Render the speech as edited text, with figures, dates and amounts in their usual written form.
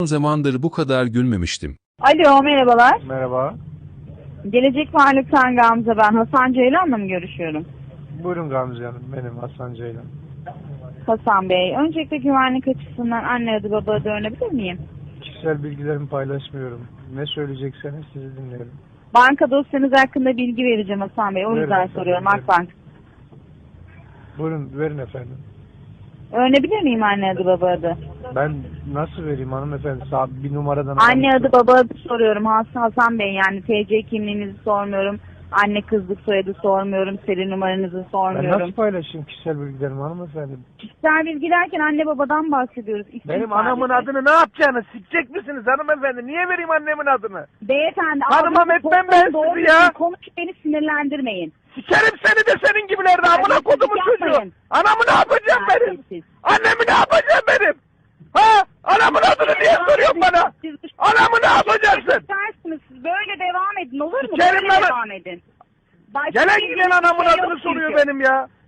Uzun zamandır bu kadar gülmemiştim. Alo, merhabalar. Merhaba. Gelecek Varlık'tan Gamze ben. Hasan Ceylan'la mı görüşüyorum? Buyurun Gamze Hanım. Benim Hasan Ceylan. Hasan Bey, öncelikle güvenlik açısından anne adı baba adı öğrenebilir miyim? Kişisel bilgilerimi paylaşmıyorum. Ne söyleyecekseniz sizi dinliyorum. Banka dosyanız hakkında bilgi vereceğim Hasan Bey. O Verin yüzden efendim, soruyorum verin. Akbank. Buyurun verin efendim. Öğrenebilir miyim anne adı baba adı? Ben nasıl vereyim hanımefendi? Bir numaradan... Anne adı baba adı soruyorum Hasan Bey, yani TC kimliğinizi sormuyorum. Anne kızlık soyadı sormuyorum. Seri numaranızı Ben sormuyorum. nasıl paylaşayım kişisel bilgilerimi hanımefendi? Kişisel bilgi derken anne babadan bahsediyoruz. İsim Benim anamın sadece. adını ne yapacaksınız? Sikecek misiniz hanımefendi? Niye vereyim annemin adını? Beyefendi, Hanımam ağzınızı etmem ben doğru sizi ya. Konuş, beni sinirlendirmeyin. Sikerim seni de senin gibilerde amına kodumun yapmayın. çocuğu. Anamı ne yapacağım benim? Terbiyesiz. Annemi ne yapacağım benim? Ha? Anamın adını niye soruyorsun bana? Anamı ne yapacaksın? İstersiniz, siz böyle devam edin, olur mu? Sikerim Böyle lan. devam edin. Başka Gelen bir giden anamın şey adını yok soruyor çünkü. benim ya.